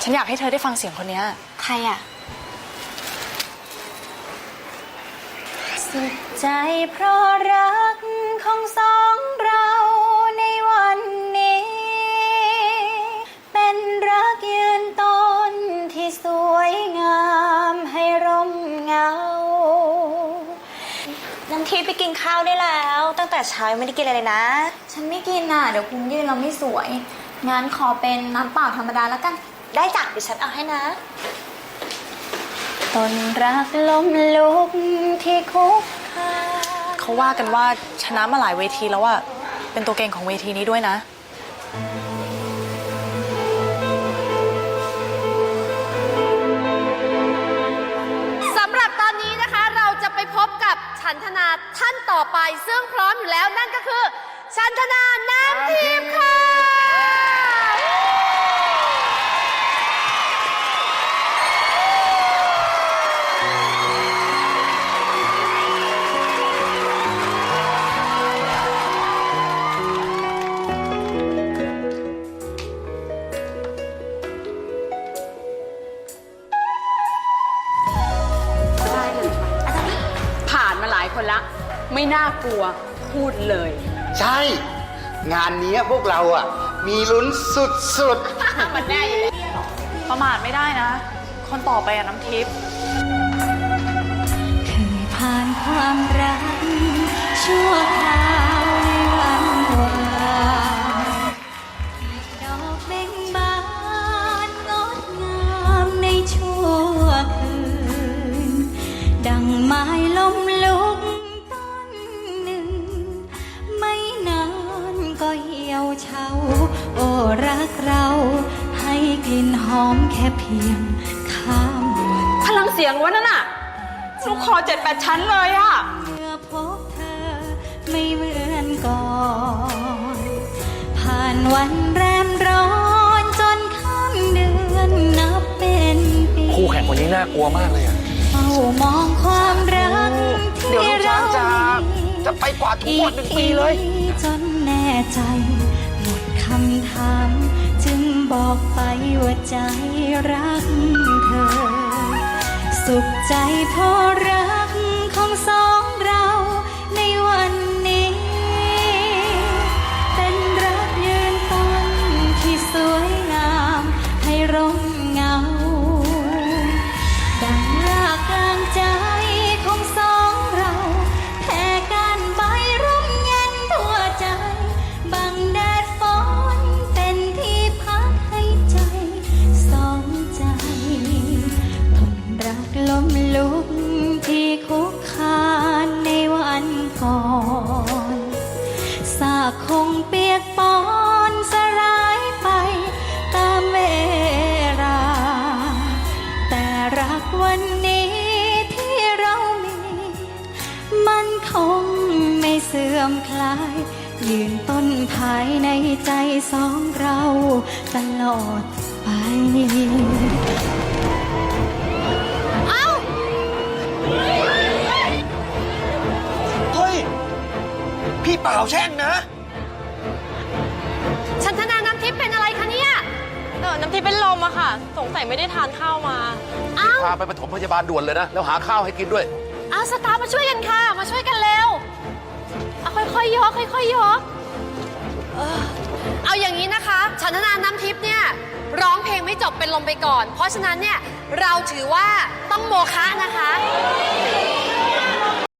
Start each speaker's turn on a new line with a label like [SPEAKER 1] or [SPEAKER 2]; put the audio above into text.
[SPEAKER 1] ฉันอยากให้เธอได้ฟังเสียงคนนี้
[SPEAKER 2] ใครอะสุดใจเพราะรักของสองเราในวันนี้เป็นรักยืนต้นที่สวยงามให้ร่มเงาน้ำทิพย์ไปกินข้าวได้แล้วตั้งแต่เช้าไม่ได้กินอะไรเลยนะฉันไม่กินน่ะเดี๋ยวคุณยืนเราไม่สวยงั้นขอเป็นน้ำเปล่าธรรมดาแล้วกันได้จ้ะเดี๋ยวฉันเอาให้นะต้นรักล้มลุกที่คุก
[SPEAKER 1] เขาว่ากันว่าชนะมาหลายเวทีแล้วอะเป็นตัวเก่งของเวทีนี้ด้วยนะ
[SPEAKER 3] สำหรับตอนนี้นะคะเราจะไปพบกับชันธนาท่านต่อไปซึ่งพร้อมอยู่แล้วนั่นก็คือชันธนาน้ำทิพย์ค่ะ
[SPEAKER 4] ผ่านมาหลายคนละไม่น่ากลัวพูดเลย
[SPEAKER 5] ใช่งานนี้พวกเราอ่ะมีลุ้นสุดๆ
[SPEAKER 4] มันแน่อยู่เลย
[SPEAKER 1] ประมาทไม่ได้นะคนต่อไปอะน้ำทิพย์
[SPEAKER 2] เคยผ่านความรักชั่วคราวในวันวานดอกเบ่งบานงดงามในชั่วคืนดังไม้ล้มลุกต้นหนึ่งไม่นานก็เหี่ยวเฉาโอ้รักเราให้กลิ่นหอมแค่เพียงข้ามวัน
[SPEAKER 4] พลังเสียงวะนั่นน่ะลูกคอ7-8 ชั้นเลยอะ
[SPEAKER 2] เมื่อพบเธอไม่เหมือนก่อนผ่านวันแรมร้อนจนข้ามเดือนนับเป็นปี
[SPEAKER 5] คู่แข่งคนนี้น่ากลัวมากเลยอ่ะ
[SPEAKER 2] เฝ้ามองความรักที่เรา
[SPEAKER 5] จะไปกว่าทุกวัน1 ปีเลย
[SPEAKER 2] จนแน่ใจหมดคำถามจึงบอกไปว่าใจรักเธอสุขใจเพราะรักของสองเราในวันนี้เป็นรักยืนต้นที่สวยงามให้ร่มเงาดังรากกลางใจของสองเราแผ่กันใบร่มเย็นทั่วใจบังแดดฝนเป็นที่พักให้ใจสองใจทนรักล้มลุกที่คุกคานในวันก่อนซากคงเปียกปอนสลายไปตามเวลาแต่รักวันนี้ที่เรามีมันคงไม่เสื่อมคลายยืนต้นภายในใจสองเราตลอดไป
[SPEAKER 5] เฮ้ยพี่เปล่าแช่งนะ
[SPEAKER 3] ชันธนาน้ำทิพย์เป็นอะไรคะเนี่ย
[SPEAKER 1] น้ำทิพย์เป็นลมอะค่ะสงสัยไม่ได้ทานข้าวมา
[SPEAKER 5] พาไปปฐมพยาบาลด่วนเลยนะแล้วหาข้าวให้กินด้วย
[SPEAKER 3] เอาสตาร์มาช่วยกันค่ะมาช่วยกันเร็วเอาค่อยๆยกค่อยๆยกเอาอย่างนี้นะคะชันธนาน้ำทิพย์เนี่ยร้องเพลงไม่จบเป็นลมไปก่อนเพราะฉะนั้นเนี่ยเราถือว่าต้องโมฆะนะคะ